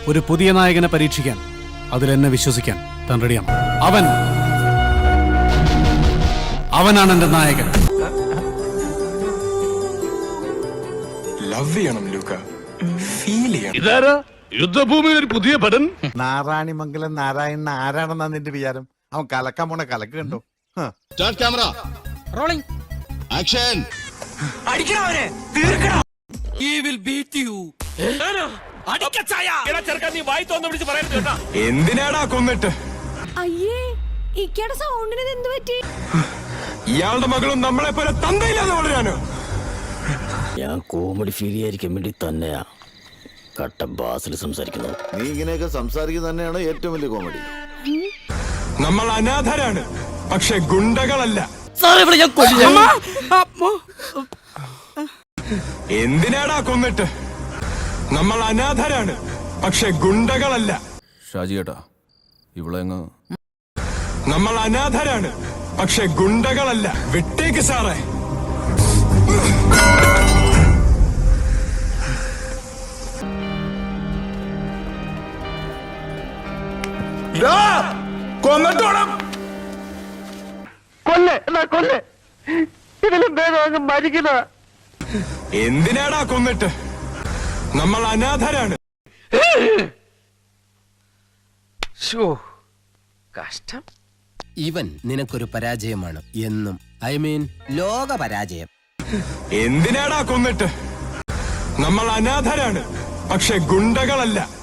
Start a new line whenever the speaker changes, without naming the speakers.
ഒരു പുതിയ നായകനെ പരീക്ഷിക്കാൻ, അതിലെന്നെ വിശ്വസിക്കാൻ താൻ റെഡിയാണ്. അവനാണ് എന്റെ നായകൻ.
ലവ് ചെയ്യണം ലൂക്ക, ഫീൽ ചെയ്യണം.
ഇതാരാ യുദ്ധഭൂമിയിൽ ഒരു പുതിയ പടൻ?
നാരായണിമംഗലം നാരായണൻ ആരാണെന്നാ നിന്റെ വിചാരം? അവൻ കലക്കാൻ പോണ കലക്ക് കണ്ടോ?
Start camera rolling action.
അടിക്കണവനെ തീർക്കണം. എന്തിനാടാ കൊന്നിട്ട്?
അയ്യേ, ഇക്കയുടെ സൗണ്ടിന് എന്ത് പറ്റി?
ഇയാളുടെ മകളും നമ്മളെ പോലെ തന്തയില്ലാതെ വളരാനോ?
ഞാൻ കോമഡി ഫീൽ ചെയ്യാതിരിക്കാൻ വേണ്ടി തന്നെയാ കട്ട ബാസിൽ സംസാരിക്കുന്നത്.
നീ ഇങ്ങനെയൊക്കെ സംസാരിക്കുന്നത് തന്നെയാണ് ഏറ്റവും വലിയ കോമഡി.
നമ്മൾ അനാഥരാണ്, പക്ഷെ ഗുണ്ടകളല്ല. എന്തിനാടാ കൊന്നിട്ട്? നമ്മൾ അനാഥരാണ്, പക്ഷെ ഗുണ്ടകളല്ല.
ഷാജിയേട്ടാ ഇവിടെ
നമ്മൾ അനാഥരാണ്, പക്ഷെ ഗുണ്ടകളല്ല. വിട്ടേക്ക് സാറേ. കൊന്നിട്ടോണം. എന്തിനാടാ കൊന്നിട്ട്? നമ്മൾ അനാഥരാണ്.
കഷ്ടം.
ഇവൻ നിനക്കൊരു പരാജയമാണ് എന്നും. ഐ മീൻ ലോക പരാജയം.
എന്തിനാടാ കൊന്നിട്ട്? നമ്മൾ അനാഥരാണ്, പക്ഷെ ഗുണ്ടകളല്ല.